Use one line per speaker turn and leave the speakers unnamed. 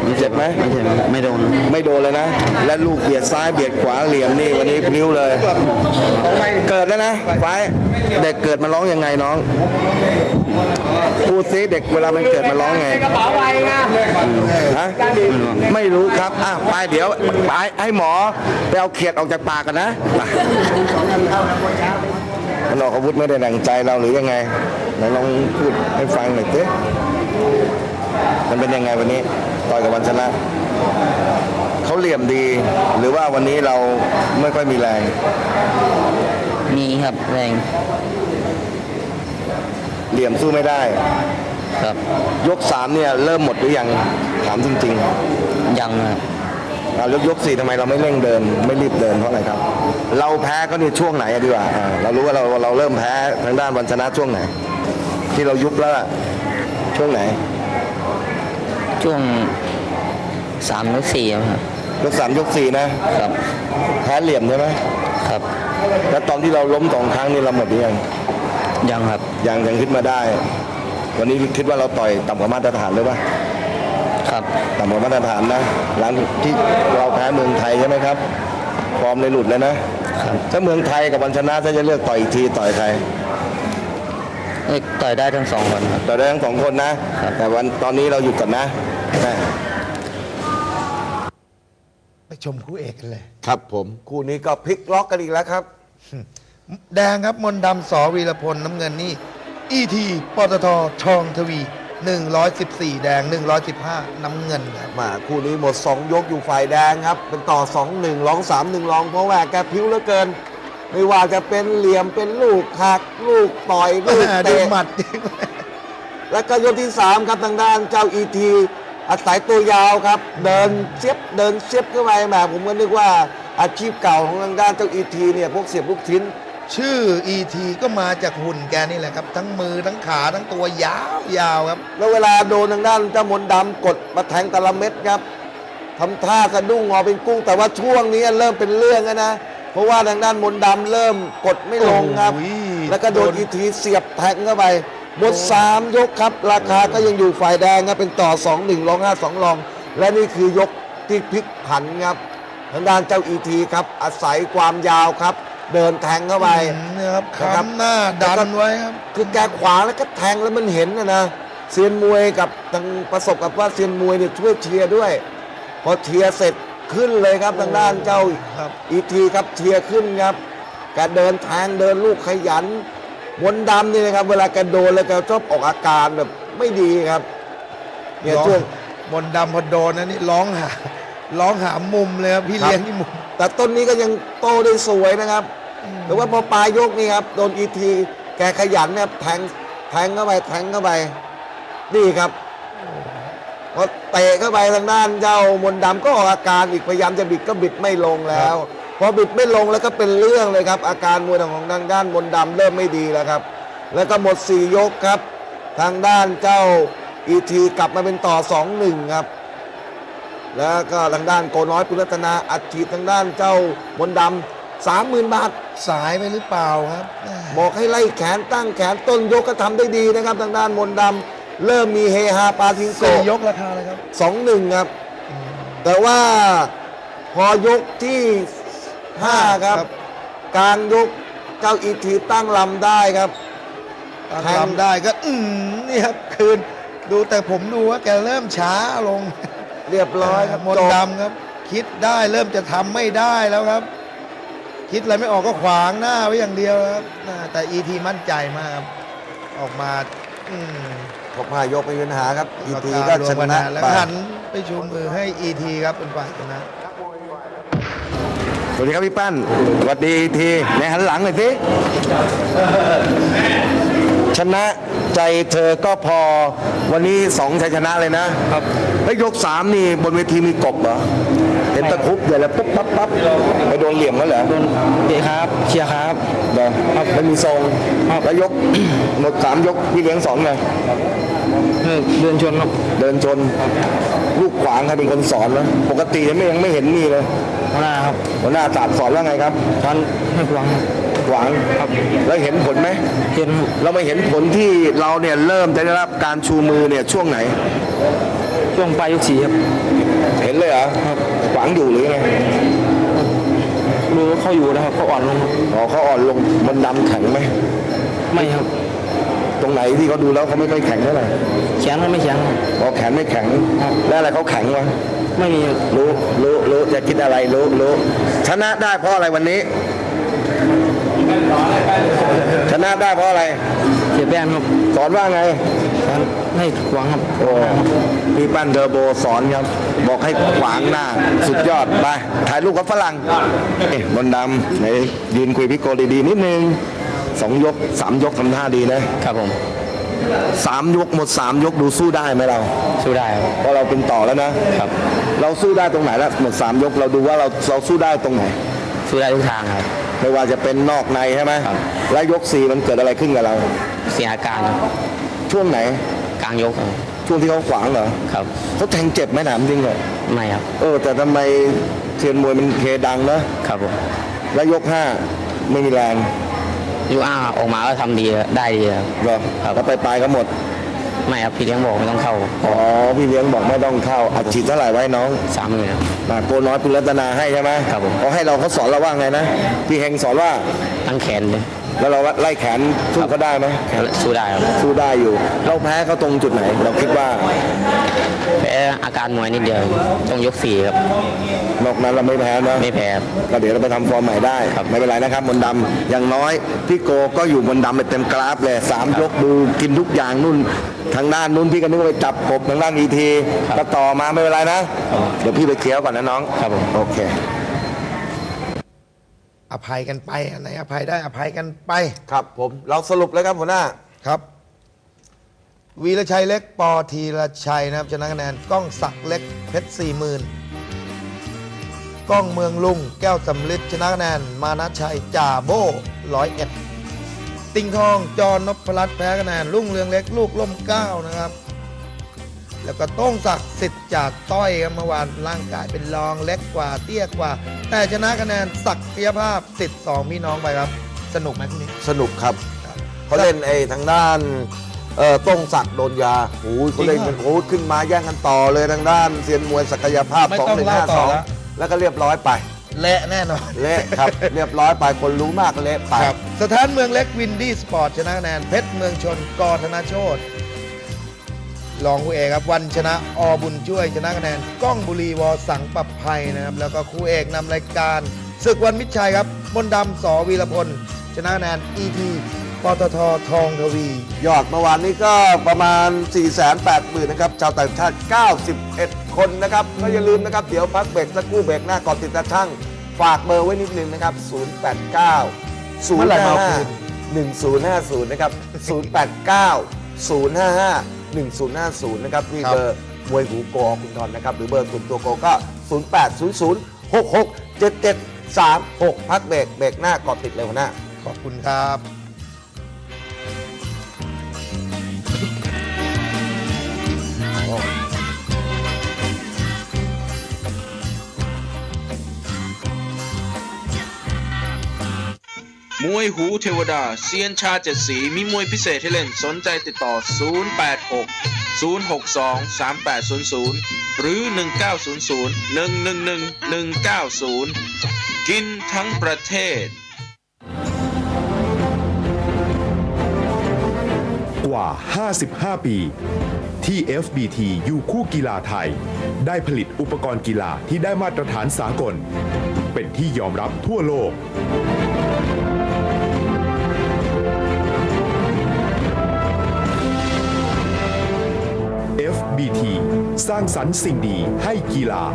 เจ็บไหม
ไม่โดน
เลยนะและลูกเบียดซ้ายเบียดขวาเหลี่ยมนี่วันนี้พลิ้วเลยเกิดแล้วนะไฟเด็กเกิดมาร้องยังไงน้องพูดซิเด็กเวลามันเกิดมาร้องไงกระเป๋าไปนะฮะไม่รู้ครับไปเดี๋ยวไปให้หมอไปเอาเขียดออกจากปากกันนะมันออกอาวุธไม่ได้ดั่งใจเราหรือยังไงไหนลองพูดให้ฟังหน่อยสิมันเป็นยังไงวันนี้ต่อยกับวันชนะเขาเหลี่ยมดีหรือว่าวันนี้เราไม่ค่อยมีแรง
มีครับแรง
เหลี่ยมสู้ไม่ได้
ครับ
ยก3เนี่ยเริ่มหมดหรือยังถามจริง
ๆยังครับ
ยก4ทำไมเราไม่เร่งเดินไม่รีบเดินเพราะอะไรครับเราแพ้ก็นี่ช่วงไหนดีกว่าเรารู้ว่าเราเริ่มแพ้ทางด้านวันชนะช่วงไหนที่เรายุบแล้วช่วงไหน
ช่วง3 ยก 4ครับ
ยก3ยก4นะครับแพ้เหลี่ยมใช่ไหม
ครับ
แล้วตอนที่เราล้ม2 ครั้งนี่เราหมดหรือ
ยังครับ
ยังขึ้นมาได้วันนี้คิดว่าเราต่อยต่ำกว่ามาตรฐานหรือเปล่า
ครับ
ต่ำกว่ามาตรฐานนะหลังที่เราแพ้เมืองไทยใช่ไหมครับฟอร์มเลยหลุดเลยนะถ้าเมืองไทยกับวันชนะถ้าจะเลือกต่อยอีกทีต่อยใคร
ต่อยได้ทั้ง2 คน
ต่อยได้ทั้ง2 คนนะแต่วันตอนนี้เราหยุดก่อนนะ
ไปชมคู่เอกกันเลย
ครับผมคู่นี้ก็พลิกล็อกกันอีกแล้วครับ
แดงครับมนต์ดำสอวีรพลน้ำเงินนี่อีทีปตททองทวี114แดง115น้ำเงินครับ
มาคู่นี้หมด2 ยกอยู่ฝ่ายแดงครับเป็นต่อ 2-1 รอง 3-1 รองเพราะว่าแกพิ้วเหลือเกินไม่ว่าจะเป็นเหลี่ยมเป็นลูกหักลูกต่อยลูกเตะ
หมัด
แล้วก็ยกที่3ครับทางด้านเจ้าอีทีอาศัยตัวยาวครับเดินเสียบเข้าไปแหมผมก็นึกว่าอาชีพเก่าของทางด้านเจ้าอีทีเนี่ยพวกเสียบลูกชิ้น
ชื่ออีทีก็มาจากหุ่นแกนี่แหละครับทั้งมือทั้งขาทั้งตัวยาวครับ
แล้วเวลาโดนทางด้านเจ้ามนต์ดำกดมาแทงแต่ละเม็ดครับทำท่าสะดุ้งงอเป็นกุ้งแต่ว่าช่วงนี้เริ่มเป็นเรื่องแล้วนะเพราะว่าทางด้านมนต์ดำเริ่มกดไม่ลงครับแล้วก็โดนอีทีเสียบแทงเข้าไปหมด3 ยกครับราคาก็ยังอยู่ฝ่ายแดงครับเป็นต่อ 2-1 รอง 5-2 รองและนี่คือยกที่พลิกผันครับทางด้านเจ้าอีทีครับอาศัยความยาวครับเดินแทงเข้าไป
นะครับค้ำหน้าดันไว้ครับ
คือแกขวางแล้วก็แทงแล้วมันเห็นนะเซียนมวยกับทางประสบกับว่าเซียนมวยเนี่ยช่วยเชียร์ด้วยพอเชียร์เสร็จขึ้นเลยครับทางด้านเจ้าอีทีครับเชียร์ขึ้นครับแกเดินแทงเดินลูกขยันมนต์ดำนี่นะครับเวลาแกโดนแล้วแกชอบออกอาการแบบไม่ดีครับ
เนี่ยช่วงมนต์ดำพอโดนนะนี่ร้องหามุมเลยครับพี่เลี้ยงที่มุม
แต่ต้นนี้ก็ยังโตได้สวยนะครับแต่ว่าพอปลายยกนี่ครับโดนอีทีแกขยันเนี่ยแทงเข้าไปนี่ครับพอเตะเข้าไปทางด้านเจ้ามนต์ดำก็ออกอาการอีกพยายามจะบิดก็บิดไม่ลงแล้วพอบิดไม่ลงแล้วก็เป็นเรื่องเลยครับอาการมวยของทางด้านมนต์ดำเริ่มไม่ดีแล้วครับแล้วก็หมด4 ยกครับทางด้านเจ้าอีทีกลับมาเป็นต่อ 2-1 ครับแล้วก็ทางด้านโกน้อยปุรัตนาอัดฉีดทางด้านเจ้ามนต์ดำ30,000 บาท
สายไปหรือเปล่าครับ
บอกให้ไล่แขนตั้งแขนต้นยกก็ทำได้ดีนะครับทางด้านมนต์ดำเริ่มมีเฮฮาปาทิงโก
ยกราคาเลยครับ
2-1 ครับแต่ว่าพอยกที่5ครับกลางยกเจ้าอีทีตั้งลำได้ครับ
ตั้งลำได้ก็นี่ครับคืนดูแต่ผมดูว่าแกเริ่มช้าลง
เรียบร้อยครับ
มนต์ดำครับคิดได้เริ่มจะทำไม่ได้แล้วครับคิดอะไรไม่ออกก็ขวางหน้าไว้อย่างเดียวครับแต่อีทีมั่นใจมากครับออกมา
พอ5 ยกไม่มีปัญหาครับอีทีก็ชนะ
แล้วหันไปชูมือให้อีทีครับเป็นฝ่ายชนะ
สวัสดีครับพี่ปั้นสวัสดีทีในหันหลังหน่อยสิชนะใจเธอก็พอวันนี้2 ชัยชนะเลยนะครับแล้วยก3นี่บนเวทีมีกบเหรอเห็นตะคุบเดี๋ยวแล้วปุ๊บปั๊บไปโดนเหลี่ยมแล้วเหรอ
โดนเตะครับเชียร์ครับ
เดี๋ยวไม่มีทรงแล้วยกหมด3 ยกพี่เลี้ยง2ไง
เดินชนครับ
เดินชนลูกขวางใครเป็นคนสอนแล้วปกติยังไม่เห็นนี่เลย
หัวหน้าครับ
หัวหน้าศาสตร์สอนว่าไงครับ
สอนให้ขวาง
ครับแล้วเห็นผลไหม
เห็น
เราไม่เห็นผลที่เราเนี่ยเริ่มจะได้รับการชูมือเนี่ยช่วงไหน
ช่วงปลายยก4ครับ
เห็นเลยเหรอขวางอยู่หรือไง
ดูเขาอยู่นะครับเขาอ่อนลงครับ
อ๋อเขาอ่อนลงมันดำแข็งไหม
ไม่ครับ
ตรงไหนที่เขาดูแล้วเขาไม่ค่อยแข็งเท่าไหร่
แข็งก็ไม่แข็งครับ
อ๋อแขนไม่แข็งแล้วอะไรเขาแข็งวะ
ไม่มี
รู้จะคิดอะไรรู้ชนะได้เพราะอะไรวันนี้ ชนะได้เพราะอะไร
เสียแป้งครับ
สอนว่าไง
ให้ขวางครับ
โอ้พี่ปั้นเทอร์โบสอนครับ บอกให้ขวางหน้าสุดยอดไปถ่ายรูปกับฝรั่งบนต์ดำไหนยืนคุยพี่โกดีๆนิดนึง2 ยก 3 ยกทำท่าดีนะครับ
ผม
3 ยกหมด 3 ยกดูสู้ได้ไหมเรา
สู้ได้ครับ
เพราะเราเป็นต่อแล้วนะ
ครับ
เราสู้ได้ตรงไหนแล้วหมด 3 ยกเราดูว่าเราสู้ได้ตรงไหน
สู้ได้ทุกทางครับ
ไม่ว่าจะเป็นนอกในใช่ไหม
ครับ
แล้วยก 4 มันเกิดอะไรขึ้นกับเรา
เสียอาการครับ
ช่วงไหน
กลางยกครับ
ช่วงที่เขาขวางเหรอ
ครับ
เขาแทงเจ็บไหมถามจริงเหรอ
ไม่ครับ
แต่ทำไมเทียนมวยมันเคดังนะครับ
ผม
แล้วยก 5 ไม่มีแรง
ยูอ้าออกมาก็ทำดีได้ดีครับ
เหรอ
ครับ
แล้วไปก็หมด
ไม่ครับพี่เลี้ยงบอกไม่ต้องเข้า
อ๋อพี่เลี้ยงบอกไม่ต้องเข้าอัดฉีดเท่าไหร่ไว้น้อง
30,000ครับ
โกน้อยปุรัตนาให้ใช่ไหม
ครับผม
เขาให้เราเขาสอนเราว่าไงนะพี่เฮงสอนว่า
ตั้งแขนเลย
แล้วเราไล่แขนสู้เขาได้ไหม
สู้ได้ครับ
สู้ได้อยู่ เราแพ้เขาตรงจุดไหน เราคิดว่า
แพ้อาการมวยนิดเดียวต้องยก 4ครับ
นอกนั้นเราไม่แพ้นะ
ไม่แพ้ครับ
ก็เดี๋ยวเราไปทำฟอร์มใหม่ได้
ครับ
ไม่เป็นไรนะครับมนต์ดำอย่างน้อยพี่โกก็อยู่มนต์ดำไปเต็มกราฟเลย3 ยกดูกินทุกอย่างนู่นทางด้านนู้นพี่ก็นึกว่าไปจับกบทางด้านอีทีก็ต่อมาไม่เป็นไรนะ เดี๋ยวพี่ไปเคลียร์ก่อนนะน้อง
ครับผม
โอเค
อภัยกันไปอันไหนอภัยได้อภัยกันไป
ครับผมเราสรุปเลยครับหัวหน้า
ครับ วีรชัยเล็กปอธีรชัยนะครับชนะคะแนนก้องศักดิ์เล็กเพชร40,000ก้องเมืองลุงแก้วสำลิดชนะคะแนนมานะชัยจ่าโบ้101ติงทองจอนพรัตน์แพ้คะแนนรุ่งเรืองเล็กลูกล่มเกล้านะครับ แล้วก็โต้งศักดิ์สิทธิ์จากต้อยครับเมื่อวานร่างกายเป็นรองเล็กกว่าเตี้ยกว่า แต่ชนะคะแนนศักยภาพสิทธิ์2พี่น้องไปครับ สนุกไหมคุณนี้
สนุกครับเขาเล่นทางด้านต้งศักดิ์โดนยาโอ้ยเขาเล่นกันโอ้ยขึ้นมาแย่งกันต่อเลยทางด้านเซียนมวยศักยภาพ
ไม่ต้องเล่าต่อแล้ว
2152แล้วก็เรียบร้อยไป
เละแน่นอน
เละครับ เรียบร้อยไปคนรู้มากเละไป
ครับสถานเมืองเล็กวินดี้สปอร์ตชนะคะแนนเพชรเมืองชนกธนโชตรองคู่เอกครับวันชนะอบุญช่วยชนะคะแนนก้องบุรีวอสังประภัยนะครับแล้วก็คู่เอกนำรายการศึกวันมิตรชัยครับมนต์ดำสวีรพลชนะคะแนนอีทีปตททองทวี
ยอดเมื่อวานนี้ก็ประมาณ 480,000 นะครับชาวต่างชาติ 91 คนนะครับก็อย่าลืมนะครับ เดี๋ยวพักเบรกสักครู่เบรกหน้าก่อนติดตาช่างฝากเบอร์ไว้นิดนึงนะครับ 089
เมื่อไหร่มาเอาคืน
1050 นะครับ 089 055 1050 นะครับนี่เบอร์มวยหูโกอคุณทอนนะครับ หรือเบอร์ส่วนตัวโกก็ 0800 66 7736 พักเบรกหน้าก่อนติดเลยหัวหน้า
ขอบคุณครับ
มวยหูเทวดาเซียนชา7 สีมีมวยพิเศษให้เล่นสนใจติดต่อ 086 062 3800 หรือ 1900 111 190 กินทั้งประเทศ
กว่า 55 ปี ที่ FBT อยู่คู่กีฬาไทย ได้ผลิตอุปกรณ์กีฬาที่ได้มาตรฐานสากล เป็นที่ยอมรับทั่วโลก FBT สร้างสรรค์สิ่งดีให้กีฬา